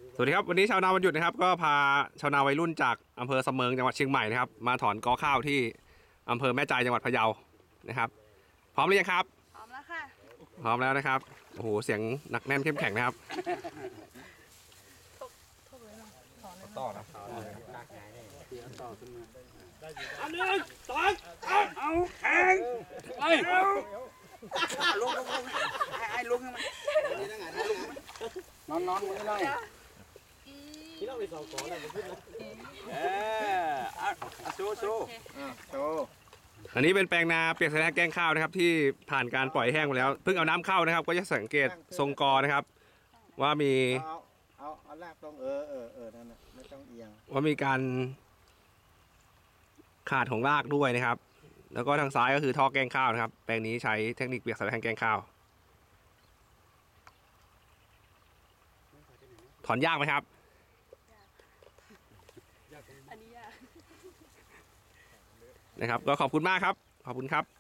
สวัสดีครับวันนี้ชาวนาวันหยุดนะครับก็พาชาวนาวัยรุ่นจากอำเภอสะเมิงจังหวัดเชียงใหม่นะครับมาถอนกอข้าวที่อำเภอแม่ใจจังหวัดพะเยานะครับพร้อมหรือยังครับพร้อมแล้วค่ะพร้อมแล้วนะครับโอ้โหเสียงหนักแน่นเข้มแข็งนะครับต่อนะอันหนึ่งสองเอาแข่งไปลงไอ้ลงให้มันนอนมือหน่อยที่เราไปสองก่อนเลยมันขึ้นนะโชว์โชว์อันนี้เป็นแปลงนาเปียกใส่แห้งแกงข้าวนะครับที่ผ่านการปล่อยแห้งไปแล้วเพิ่งเอาน้ำเข้านะครับก็จะสังเกตทรงกอนะครับว่ามีเอาลากตรงนั่นน่ะไม่ต้องเอียงว่ามีการขาดของรากด้วยนะครับแล้วก็ทางซ้ายก็คือท่อแกงข้าวนะครับแปลงนี้ใช้เทคนิคเปียกใส่แห้งแกงข้าวถอนยากไหมครับอันนี้ยากนะครับก็ขอบคุณมากครับขอบคุณครับ